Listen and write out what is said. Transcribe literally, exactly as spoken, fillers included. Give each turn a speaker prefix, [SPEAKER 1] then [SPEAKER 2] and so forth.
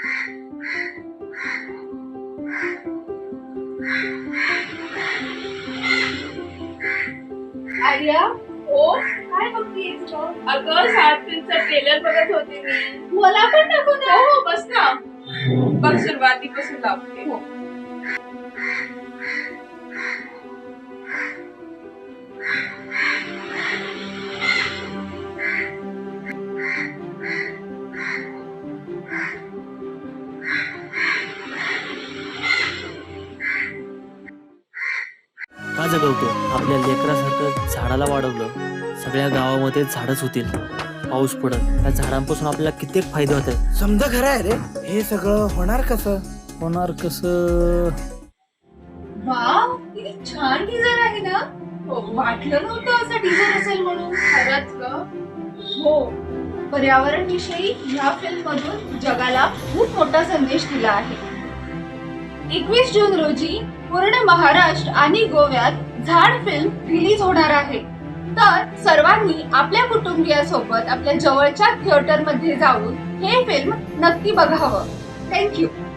[SPEAKER 1] आर्या, हो काय बघतीयेस ग? अगं सात फिल्मचा ट्रेलर बघत होते मी. मला पण दाखव ना. हो हो बस ना. बघ सुरुवातीपासून लावते. हो
[SPEAKER 2] का जगवतो? आपल्या लेकरासारखं झाडाला वाढवलं, सगळ्या गावामध्ये झाडच होतील. पाऊस पडत, त्या झाडांपासून आपल्याला कित्येक फायदे होतात.
[SPEAKER 3] समजा खरं आहे रे. हे सगळं होणार कसं?
[SPEAKER 2] होणार कसं?
[SPEAKER 1] वाव, किती छान टीजर आहे ना. हो वाटलं नव्हतं असं टीजर असेल म्हणून. खरंच ग. हो, पर्यावरण विषयी ह्या फिल्म मधून जगाला खूप मोठा संदेश दिला आहे. एकवीस जून रोजी पूर्ण महाराष्ट्र आणि गोव्यात झाड फिल्म रिलीज होणार आहे. तर सर्वांनी आपल्या कुटुंबियासोबत आपल्या जवळच्या थिएटर मध्ये जाऊन हे फिल्म नक्की बघावं. थँक्यू.